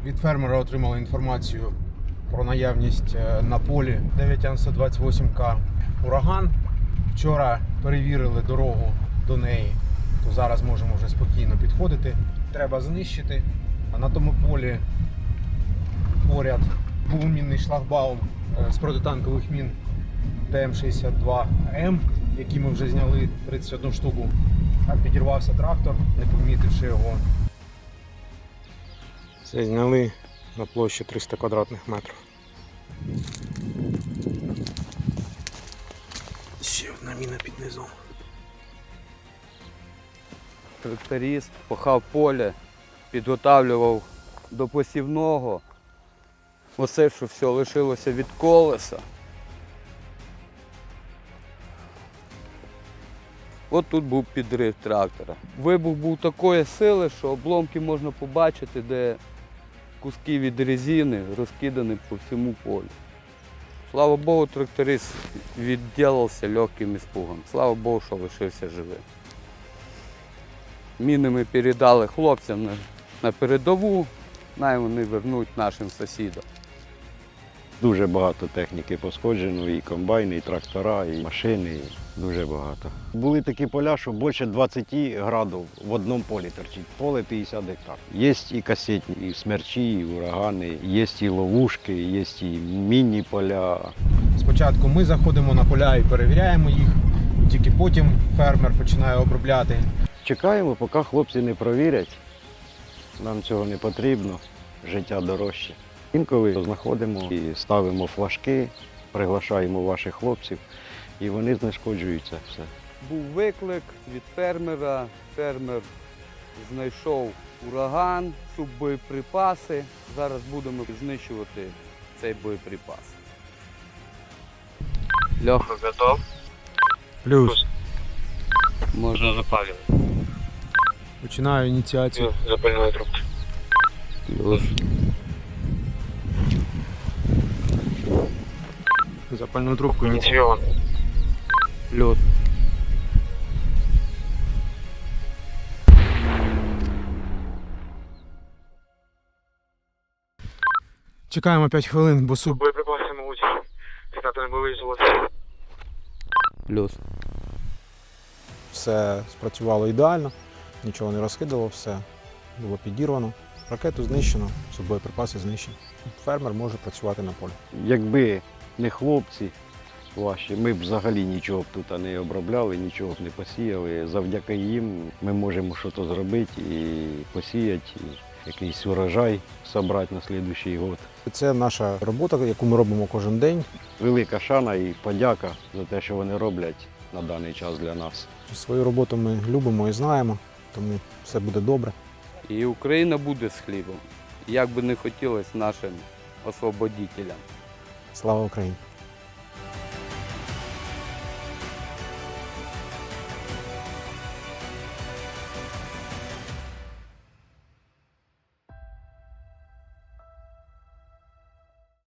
Від фермера отримали інформацію про наявність на полі 9Ан-128К ураган. Вчора перевірили дорогу до неї, то зараз можемо вже спокійно підходити. Треба знищити. А на тому полі поряд був мінний шлагбаум з протитанкових мін ТМ-62М, які ми вже зняли 31 штуку. Так підірвався трактор, не помітивши його. Це зняли на площі 300 квадратних метрів. Ще одна міна під низом. Тракторист пахав поле, підготавлював до посівного. Оце, що все лишилося від колеса. От тут був підрив трактора. Вибух був такої сили, що обломки можна побачити, де куски від резини розкидані по всьому полю. Слава Богу, тракторист відділився легким іспугом. Слава Богу, що лишився живим. Міни ми передали хлопцям на передову, най вони вернуть нашим сусідам. Дуже багато техніки пошкоджено, і комбайни, і трактора, і машини, дуже багато. Були такі поля, що більше 20 градів в одному полі торчить, поле 50 гектар. Є і касетні, і смерчі, і урагани, є і ловушки, є і мінні поля. Спочатку ми заходимо на поля і перевіряємо їх, і тільки потім фермер починає обробляти. Чекаємо, поки хлопці не провірять. Нам цього не потрібно, життя дорожче. Інколи знаходимо і ставимо флажки, приглашаємо ваших хлопців, і вони знешкоджуються все. Був виклик від фермера, фермер знайшов ураган, суббоєприпаси. Зараз будемо знищувати цей боєприпас. Льоха, готов? Плюс. Можна запалювати. Починаю ініціацію. Запальної трубки. Плюс. Запальну трубку ініційовано. Плюс. Чекаємо 5 хвилин, бо Боєприпаси, мабуть, стати не виїжджалося. Плюс. все спрацювало ідеально, нічого не розкидало, все було підірвано. Ракету знищено, боєприпаси знищені. Фермер може працювати на полі. Якби не хлопці ваші, ми б взагалі нічого б тут не обробляли, нічого б не посіяли. Завдяки їм ми можемо щось зробити і посіяти, і якийсь урожай зібрати на наступний рік. Це наша робота, яку ми робимо кожен день. Велика шана і подяка за те, що вони роблять на даний час для нас. Свою роботу ми любимо і знаємо, тому все буде добре. І Україна буде з хлібом. Як би не хотілося нашим освободителям. Слава Україні!